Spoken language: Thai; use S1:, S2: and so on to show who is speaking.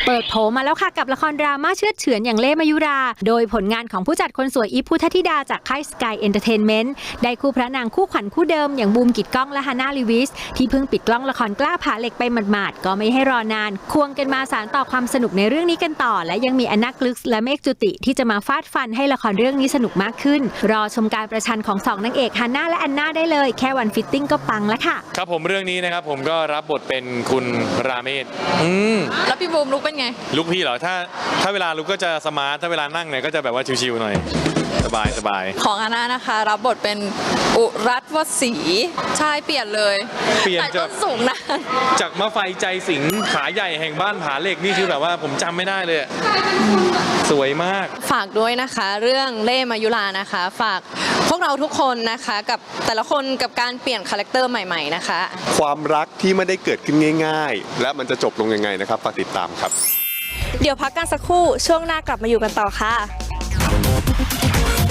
S1: เปิดโผมาแล้วค่ะกับละครดราม่าเชือดเฉือนอย่างเล่ห์มายุราโดยผลงานของผู้จัดคนสวยอีฟพุทธธิดาจากค่าย Sky Entertainment ได้คู่พระนางคู่ขวัญคู่เดิมอย่างบูมกิตก้องและฮาน่าลีวิสที่เพิ่งปิดกล้องละครกล้าผาเหล็กไปหมาดๆก็ไม่ให้รอนานควงกันมาสานต่อความสนุกในเรื่องนี้กันต่อและยังมีแอนนากลึกและเมฆจุติที่จะมาฟาดฟันให้ละครเรื่องนี้สนุกมากขึ้นรอชมการประชันของ2นางเอกฮาน่าและแอนนาได้เลยแค่วันฟิตติ้งก็ปังแล้วค่ะ
S2: ครับผมเรื่องนี้นะครับผมก็รับบทเป็นคุณราเมศ
S3: แล้วพี่บูมลุกเป็นไง
S2: ลุกพี่เหรอถ้าเวลาลุกก็จะสมาร์ทถ้าเวลานั่งเนี่ยก็จะแบบว่าชิวๆหน่อยสบาย
S3: ของอาน่านะคะรับบทเป็นอุรัตวศรีใช่เปลี่ยนเลย
S2: เปลี่ยนจาก
S3: สูงนะ
S2: จากมะไฟใจสิงขาใหญ่แห่งบ้านผาเหล็กนี่คือแบบว่าผมจำไม่ได้เลยสวยมาก
S3: ฝากด้วยนะคะเรื่องเล่ห์มายุรานะคะฝากพวกเราทุกคนนะคะกับแต่ละคนกับการเปลี่ยนคาแรคเตอร์ใหม่ๆนะคะ
S4: ความรักที่ไม่ได้เกิดขึ้นง่ายๆและมันจะจบลงยังไงนะครับฝากติดตามครับ
S5: เดี๋ยวพักกันสักครู่ช่วงหน้ากลับมาอยู่กันต่อค่ะ